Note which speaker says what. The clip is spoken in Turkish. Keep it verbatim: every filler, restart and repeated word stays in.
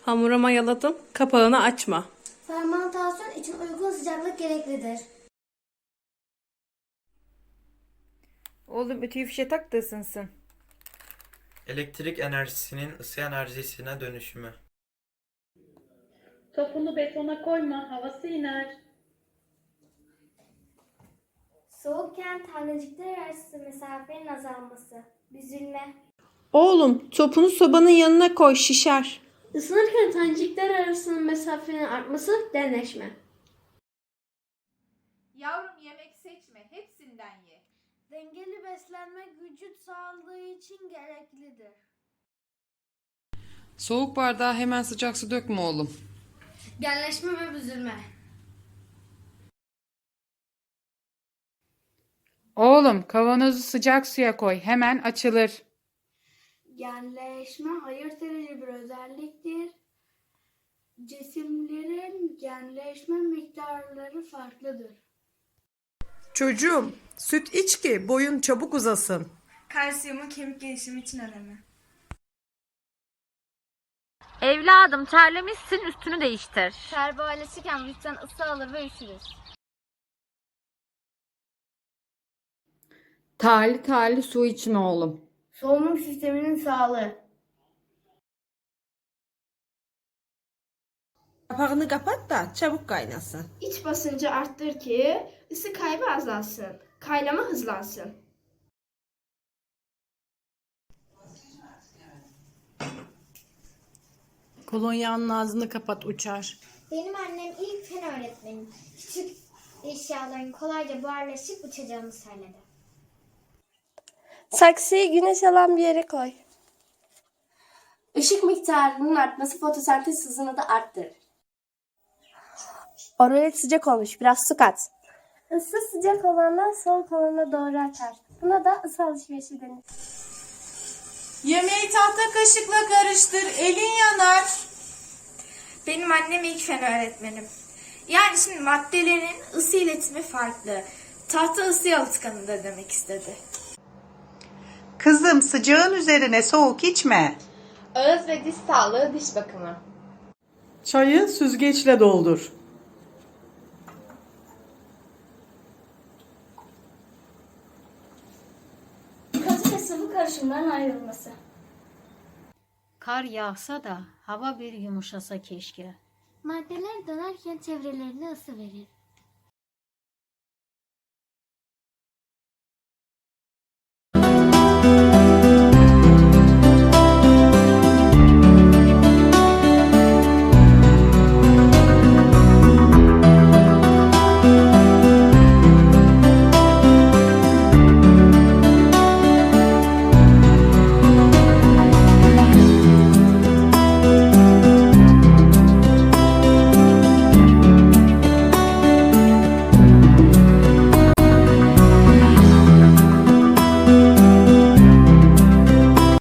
Speaker 1: Hamura mayaladım. Kapağını açma.
Speaker 2: Fermantasyon için uygun sıcaklık gereklidir.
Speaker 3: Oğlum ütüyü fişe tak da ısınsın.
Speaker 4: Elektrik enerjisinin ısı enerjisine dönüşümü.
Speaker 5: Topunu betona koyma, havası iner.
Speaker 2: Soğukken tanecikler arası mesafenin azalması. Büzülme.
Speaker 1: Oğlum topunu sobanın yanına koy, şişer.
Speaker 2: Isınırken tanecikler arasının mesafenin artması denleşme.
Speaker 6: Yavrum yemek seçme, hepsinden ye.
Speaker 2: Dengeli beslenme vücut sağlığı için gereklidir.
Speaker 7: Soğuk bardağa hemen sıcak su dökme oğlum.
Speaker 2: Genleşme ve büzülme.
Speaker 3: Oğlum kavanozu sıcak suya koy. Hemen açılır.
Speaker 2: Genleşme ayırt edici bir özelliktir. Cisimlerin genleşme miktarları farklıdır.
Speaker 8: Çocuğum, süt iç ki boyun çabuk uzasın.
Speaker 9: Kalsiyumun kemik gelişimi için önemli.
Speaker 10: Evladım terlemişsin, üstünü değiştir.
Speaker 2: Ter böyleşirken vücuttan ısı alır ve üşürüz.
Speaker 3: Tali tali su için oğlum.
Speaker 2: Solunum sisteminin sağlığı.
Speaker 8: Kapağını kapat da çabuk kaynasın.
Speaker 9: İç basıncı arttır ki ısı kaybı azalsın. Kaynama hızlansın.
Speaker 8: Kolonyanın ağzını kapat uçar.
Speaker 2: Benim annem ilk fen öğretmenim. Küçük eşyaların kolayca buharlaşıp uçacağını söyledi.
Speaker 5: Saksıyı güneş alan bir yere koy. Işık miktarının artması fotosentez hızını da arttırır. Oralet sıcak olmuş. Biraz su kat. Isı sıcak olandan soğuk olana doğru akar. Buna da ısı alışverişi denir.
Speaker 8: Yemeği tahta kaşıkla karıştır, elin yanar.
Speaker 9: Benim annem ilk fen öğretmenim. Yani şimdi maddelerin ısı iletimi farklı. Tahta ısı yalıtkanıdır demek istedi.
Speaker 11: Kızım sıcağın üzerine soğuk içme.
Speaker 6: Ağız ve diş sağlığı, diş bakımı.
Speaker 8: Çayı süzgeçle doldur.
Speaker 2: Katı ve sıvı karışımların ayrılması.
Speaker 10: Kar yağsa da hava bir yumuşasa keşke.
Speaker 2: Maddeler dönerken çevrelerine ısı verir.